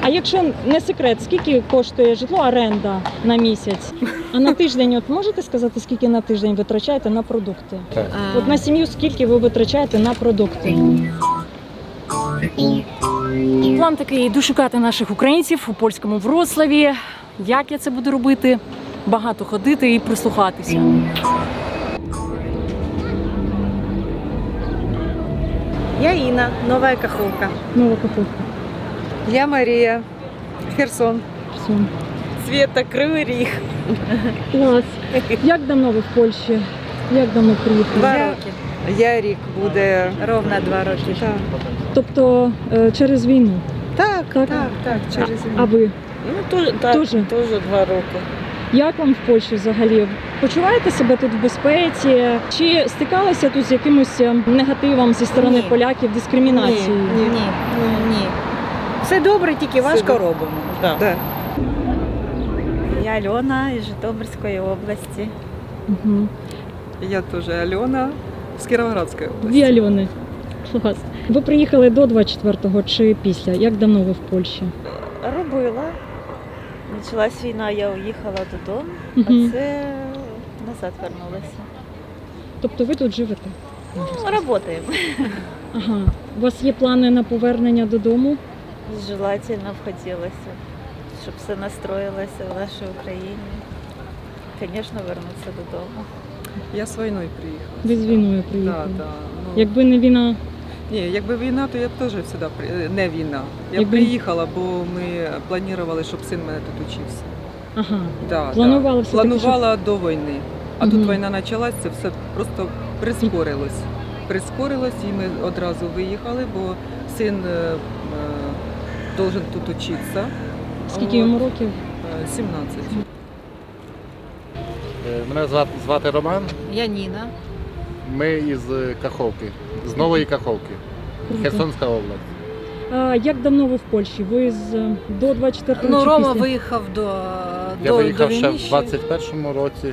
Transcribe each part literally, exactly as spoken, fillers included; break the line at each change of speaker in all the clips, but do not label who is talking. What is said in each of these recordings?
А якщо не секрет, скільки коштує житло, оренда на місяць? А на тиждень, от можете сказати, скільки на тиждень витрачаєте на продукти?
Так.
От на сім'ю скільки ви витрачаєте на продукти? План такий, йду шукати наших українців у польському Вроцлаві. Як я це буду робити? Багато ходити і прислухатися.
Я Інна, Нова Каховка.
Нова Каховка.
Я Марія, Херсон.
Все.
Света, Кривий Ріг.
Клас. Як давно ви в Польщі? Як давно приїхали?
Два
Я-
роки.
Я рік буде.
Ровно два роки.
Так,
Тобто е, через війну.
так,
Так.
так, так, через
А ви?
Ну, теж, так,
Тоже?
теж два роки.
Як вам в Польщі взагалі? Почуваєте себе тут в безпеці? Чи стикалися тут з якимось е, негативом зі сторони
Ні.
поляків, дискримінацією?
Ні, ні, ні. Все добре, тільки
Все
важко
добре.
робимо. Да.
Да.
Я Альона із Житомирської області.
Угу.
Я теж Альона з Кіровоградської області.
Дві Альони. Клас. Ви приїхали до двадцять четвертого чи після? Як давно ви в Польщі?
Робила. Почалась війна, я уїхала додому,
Мгм.
а це назад вернулася.
Тобто ви тут живете?
Ну, працюємо.
Ага. У вас є плани на повернення додому?
Желательно б хотілося, щоб все настроїлося в нашій Україні. Звісно, вернутися додому.
Я з війною приїхала.
Ви з війною
Да,
приїхали.
да. Ну,
Якби не війна,
Ні, якби війна, то я б теж сюди при... не війна. Я б
Якби-
приїхала, бо ми планували, щоб син мене тут учився.
ага.
Да,
Планували
да.
все-таки,
Планувала до війни. А
Мгм.
тут війна почалась, це все просто прискорилось. Прискорилось, і ми одразу виїхали, бо син е, е, должен тут учитися.
Скільки
От.
йому років?
Е, сімнадцять.
Е, Мене звати, звати Роман.
Я Ніна.
Ми із Каховки, з Нової Каховки,
Круто.
Херсонська область.
А як давно ви в Польщі? Ви з е, до двадцять четвертого
Ну,
чи
Рома
після?
виїхав до,
Я
до,
виїхав
до
ще
війни.
в двадцять першому році.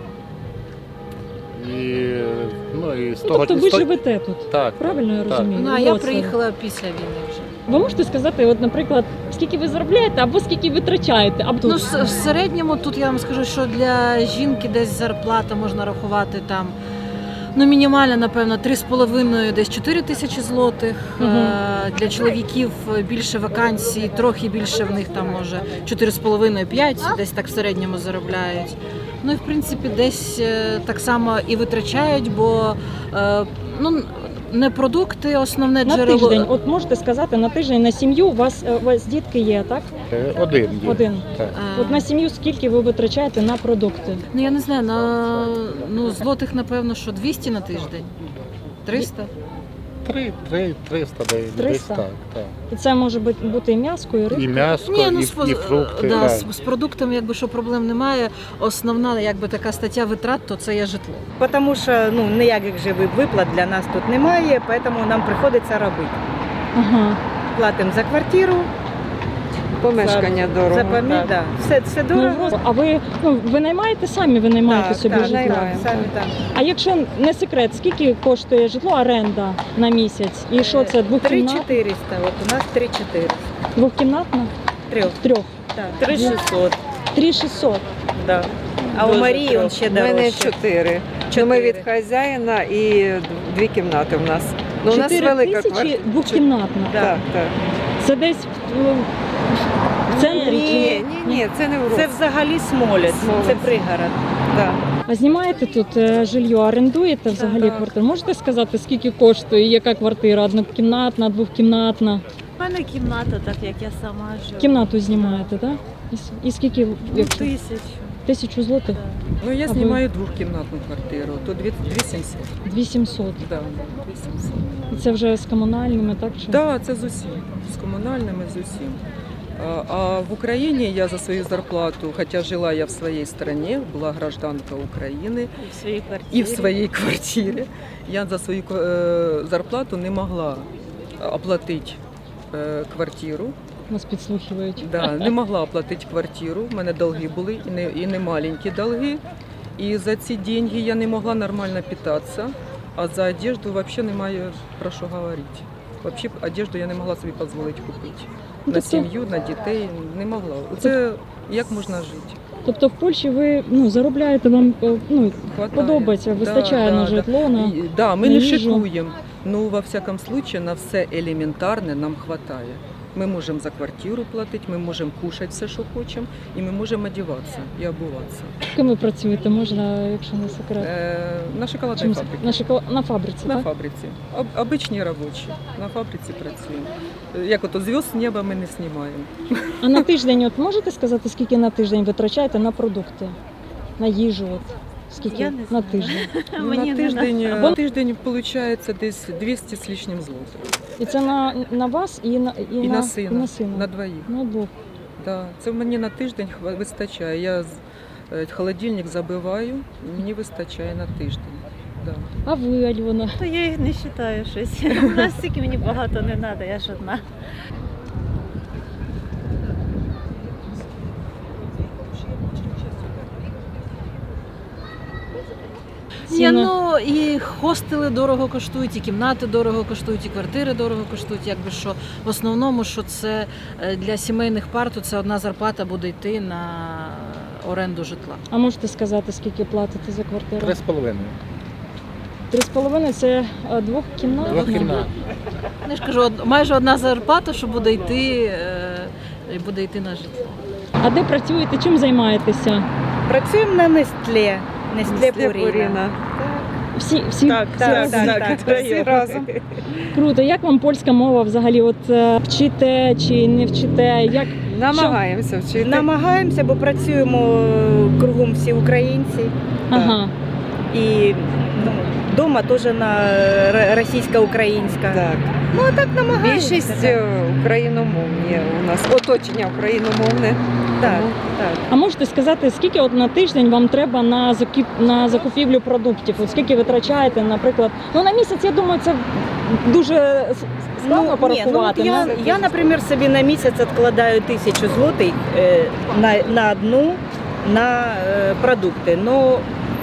І, ну, і з
Ну,
того
тобто ви
з того-
живете тут,
Так,
правильно я
так.
розумію?
Ну, а
У
я
Вроцлаві.
приїхала після війни вже.
Ви можете сказати, от, наприклад, скільки ви заробляєте або скільки витрачаєте? Або тут?
Ну, в в середньому тут я вам скажу, що для жінки десь зарплата можна рахувати там. Ну, мінімальна, напевно, три з половиною, десь чотири тисячі злотих.
Мгм.
Е, Для чоловіків більше вакансій, трохи більше в них там може чотири з половиною п'ять, десь так в середньому заробляють. Ну і в принципі десь е, так само і витрачають, бо е, ну, не продукти, основне
на
джерело.
тиждень, от можете сказати, на тиждень на сім'ю у вас, е, у вас дітки є, так?
Е, Один є.
Один.
Так.
Е,
От на сім'ю скільки ви витрачаєте на продукти?
Ну я не знаю, на ну, злотих, напевно, що двісті на тиждень. триста?
Три, три, триста, десь, десь
триста?
так, так.
І це може бути, бути і м'ясо, і рибка?
І м'ясо,
Ні, ну
і,
з, поз-
і фрукти.
да,
так.
з, з продуктами якби що проблем немає. Основна якби така стаття витрат, то це є житло.
Тому що ну, ніяких живих виплат для нас тут немає, тому нам приходиться робити.
Ага.
Платимо за квартиру,
Помешкання дорого.
за помі... да. все, все
Ну,
дорого.
просто- а ви, ну, ви наймаєте самі, ви наймаєте
Так,
собі
так,
житло?
наймаємо, самі так.
А якщо не секрет, скільки коштує житло, оренда на місяць? І що це,
три
двохкімнатна?
чотириста, от у нас три чотириста.
Двохкімнатна?
Трьох.
Трьох.
Так.
три шістсот.
Три шістсот.
Да. А у Марії он ще
У мене
дорожче.
чотири.
Чотири.
Ми від хазяїна і дві кімнати в нас. Ну, у нас
Чотири
велика
тисячі
квартира.
двохкімнатна.
Так, так.
Це десь в, в центрі?
Ні,
чи-
Ні, ні, це не в
Це взагалі Смолець,
Смолець.
це пригород.
Да.
А знімаєте тут е, жилье, орендуєте взагалі
Так.
квартиру? Можете сказати, скільки коштує, яка квартира? Однокімнатна, двохкімнатна?
У мене кімната, так як я сама живу.
Кімнату знімаєте, так? І, с- і скільки?
Ну,
Якщо?
тисячу.
Тисячу злотих?
Так.
Ну, я
А ви?
знімаю двохкімнатну квартиру, то дві сімсот.
Дві сімсот.
Да, дві сімсот.
І це вже з комунальними, так? Чи?
Так, це з усім, з комунальними, з усім. А, а в Україні я за свою зарплату, хоча жила я в своїй країні, була гражданка України
І в своїй квартирі.
і в своїй квартирі, я за свою е, зарплату не могла оплатити е, квартиру.
Нас підслухують.
Да, не могла оплатити квартиру, у мене долги були, і не, і не маленькі долги. І за ці деньги я не могла нормально питатися, а за одежду взагалі немає про що говорити. Взагалі одежду я не могла собі дозволити купити. на
тобто-
сім'ю, на дітей не могла. Це як можна жити?
Тобто в Польщі ви ну, заробляєте, вам е, ну,
Хватає.
подобається, вистачає
Да,
на
да,
житло, на...
І- Да, ми
на
не
їжу.
шикуємо. Ну, во всякому случае, на все елементарне нам вистачає. Ми можемо за квартиру платити, ми можемо кушати все, що хочемо, і ми можемо одягатися і обуватися.
Ким ви працюєте, можна, якщо не секрет?
Е, на шоколадній
Чим-
фабриці.
на, шоколад... на фабриці,
На
так?
фабриці. Об, обичні робочі. На фабриці працюємо. Е, Як ото зв'язок з неба ми не знімаємо.
А на тиждень, от можете сказати, скільки на тиждень витрачаєте на продукти, на їжу? От? Скільки
Я не
на
знаю.
тиждень?
Мені
на
не
тиждень,
надо.
е, на тиждень виходить десь двісті з лишнім злотих.
І це на, на вас і на, і
І
на,
на сина.
І на сина.
На двоїх.
На двох.
Да. Це мені на тиждень хва- вистачає. Я з- е, холодильник забиваю, і мені вистачає на тиждень. Да.
А ви, Альона?
То я їх не вважаю щось. Настільки мені багато не треба, я ж одна.
Ні,
Ціна.
ну і хостели дорого коштують, і кімнати дорого коштують, і квартири дорого коштують. Якби що в основному, що це е, для сімейних пар, то це одна зарплата буде йти на оренду житла.
А можете сказати, скільки платите за квартиру?
Три з половиною.
Три з половиною це е, двохкімнатна?
Двохкімнатна.
Я ж кажу, од- майже одна зарплата, що буде йти, е, і буде йти на житло.
А де працюєте, чим займаєтеся?
Працюємо на Нестле. Нестле Пуріна.
Всі, всі,
Так,
всі
так,
разом?
так, так, всі разом.
Круто. Як вам польська мова взагалі? От е, вчите чи не вчите? Як
Намагаємося вчити.
Намагаємося, бо працюємо кругом всі українці.
ага.
І ну, вдома теж на р- російсько-українська.
Так.
Ну, а так намагаємося.
Більшість
так.
е, україномовні у нас, оточення україномовне.
Так,
Тому
так.
А можете сказати, скільки от на тиждень вам треба на закуп... на закупівлю продуктів? От скільки витрачаєте, наприклад? Ну на місяць, я думаю, це дуже с- складно
ні,
порахувати.
ну, я,
Ну,
я, наприклад, собі на місяць відкладаю тисячу злотих е, на, на одну на е, продукти. Ну,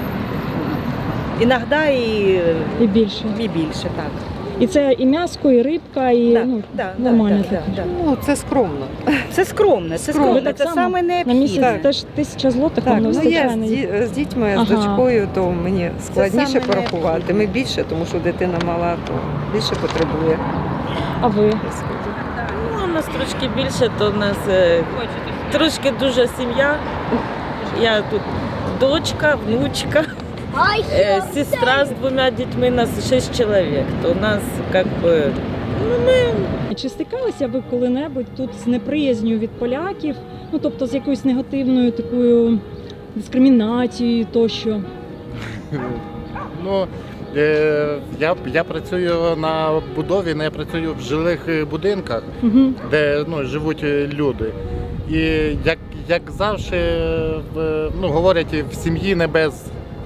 іноді і,
і більше.
і більше, так.
І це і м'яско, і рибка, і
Да,
ну,
да,
нормально
да,
таке.
да, да.
ну, це скромно.
Це скромне, це
Скромно.
скромне,
Так
це
само?
саме
На
необхідне.
місяць
Так.
теж тисяча злотих
Так,
вам не
ну
вистачає.
я
на
з,
їх.
ді- з дітьми,
Ага.
з дочкою, то мені складніше
саме
порахувати. Ми більше, тому що дитина мала, то більше потребує.
А ви?
Ну, у нас трошки більше, то у нас е, трошки дуже сім'я. Я тут дочка, внучка, е, сестра з двома дітьми, нас шість чоловік. То у нас як би, ну, ми
Чи стикалися ви коли-небудь тут з неприязнью від поляків? Ну тобто з якоюсь негативною такою дискримінацією тощо?
Ну, е, я, я працюю на будові, не працюю в жилих е, будинках,
Угу.
де ну, живуть е, люди. І як, як завжди е, в- ну, говорять, в сім'ї не без.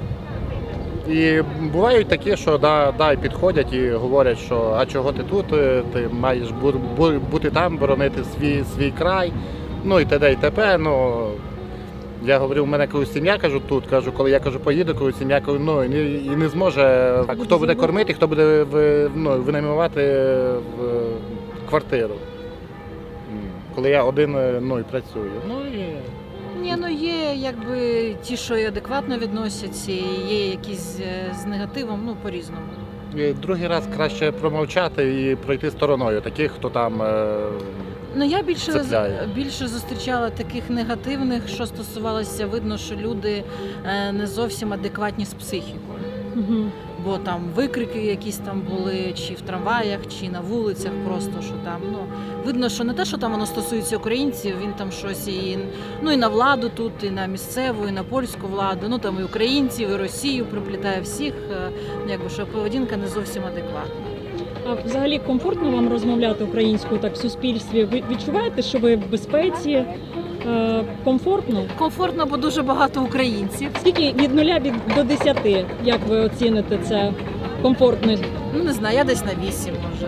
І бувають такі, що да, да, підходять і говорять, що а чого ти тут, е, ти маєш бу- бу- бути там, боронити свій, свій край, ну і т.д. і т.п. Ну, я говорю, у мене колись сім'я, кажу, тут, кажу, коли я кажу, поїду, коли сім'я, кажу, ну, і не, і не зможе, так, хто буде кормити, хто буде в, ну, винаймувати в квартиру. М, Коли я один е, ну, і працюю. Ну, і...
Ні, ну є якби ті, що і адекватно відносяться, і є якісь е, з негативом, ну по-різному.
І другий раз краще промовчати і пройти стороною таких, хто там. е,
Ну я більше
Цепляє.
більше зустрічала таких негативних, що стосувалося, видно, що люди е, не зовсім адекватні з психікою.
Угу.
Бо там викрики якісь там були, чи в трамваях, чи на вулицях, просто що там. Ну видно, що не те, що там воно стосується українців, він там щось і ну і на владу тут, і на місцеву, і на польську владу. Ну там і українців, і Росію приплітає всіх. е, Якби що поведінка не зовсім адекватна.
А взагалі комфортно вам розмовляти українською так в суспільстві? Ви відчуваєте, що ви в безпеці? Е, комфортно?
Комфортно, бо дуже багато українців.
Скільки від нуля від до десяти? Як ви оціните це комфортно?
Ну не знаю, я десь на вісім може.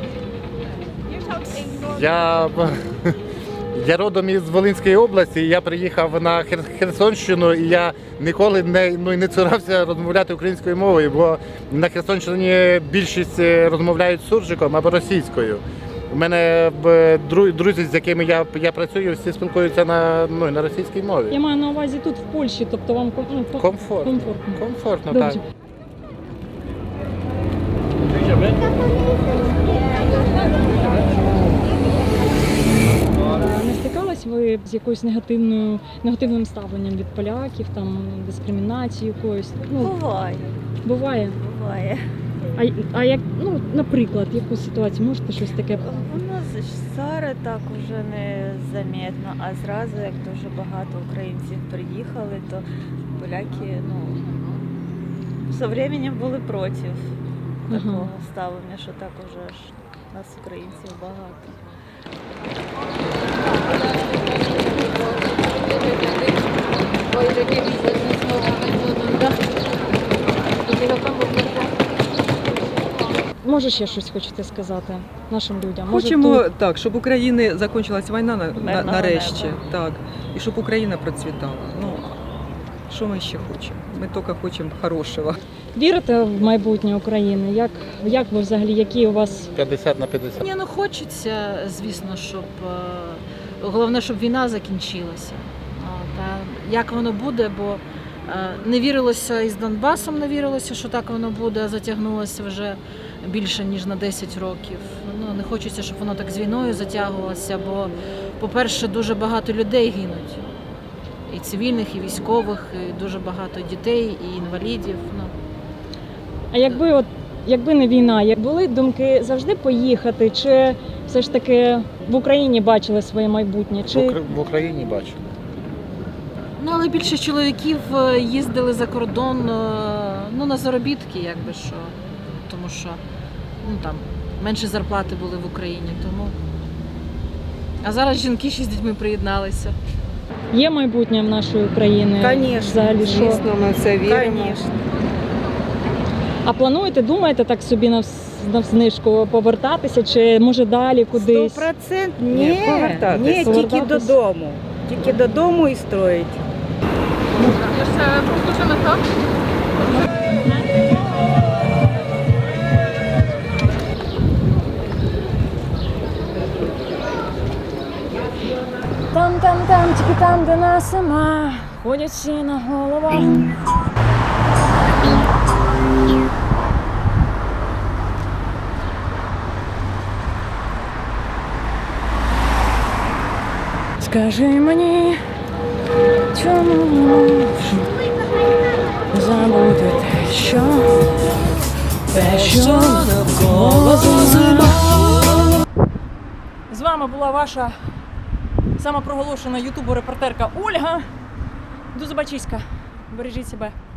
Я, я родом із Волинської області, я приїхав на Хер- Херсонщину, і я ніколи не, ну, і не цурався розмовляти українською мовою, бо на Херсонщині більшість е, розмовляють суржиком або російською. У мене е, дру- друзі, з якими я, я працюю, всі спілкуються на, ну, на російській мові.
Я маю на увазі тут в Польщі, тобто вам ком- ну, по-
Комфортно.
комфортно.
Комфортно,
Добре.
так.
А Не стикались ви з якоюсь негативною негативним ставленням від поляків, там дискримінацією якоюсь? Ну
Буває,
буває.
буває.
А, а як, ну, наприклад, яку ситуацію можете щось таке?
У нас ж зараз так уже не замітно, а зразу, як дуже багато українців приїхали, то поляки, ну, з часом були проти
Ага.
такого ставлення, що так уже ж нас українців багато.
Може, ще щось хочете сказати нашим людям? Може,
Хочемо
тут-
так, щоб в Україні закінчилась війна на, на,
Мирного
нарешті.
неба.
Так. І щоб Україна процвітала. Ну, що ми ще хочемо? Ми тільки хочемо хорошого.
Вірите в майбутнє України? Як, як ви взагалі, які у вас
п'ятдесят на п'ятдесят.
Ні, ну хочеться, звісно, щоб е, головне, щоб війна закінчилася. От, а як воно буде, бо е, не вірилося і з Донбасом, не вірилося, що так воно буде, затягнулося вже більше ніж на десять років. Ну не хочеться, щоб воно так з війною затягувалося, бо, по-перше, дуже багато людей гинуть. І цивільних, і військових, і дуже багато дітей, і інвалідів. Ну.
А якби от якби не війна, як були думки завжди поїхати, чи все ж таки в Україні бачили своє майбутнє?
В,
Чи
Укра- в Україні бачу.
Ну, але більше чоловіків е, їздили за кордон е, ну, на заробітки, якби що. Тому що ну, там, менше зарплати були в Україні. Тому... А зараз жінки ще з дітьми приєдналися.
є майбутнє в нашої України?
Конечно,
Взагалі, що?
Звісно, ми в це віримо.
Конечно.
А плануєте, думаєте так собі навс- навзнижку повертатися, чи може далі кудись?
Сто процентів
Ні,
ні,
повертатись.
ні, тільки
Повертатись.
додому. Тільки додому і строїть.
Там, там, там, тільки там, де нас нема, ходять всі на головах. Скажи мені, чому не можу забути те, що, те, що навколо зима. З вами була ваша самопроголошена ютубо-репортерка Ольга. До побачення. Бережіть себе.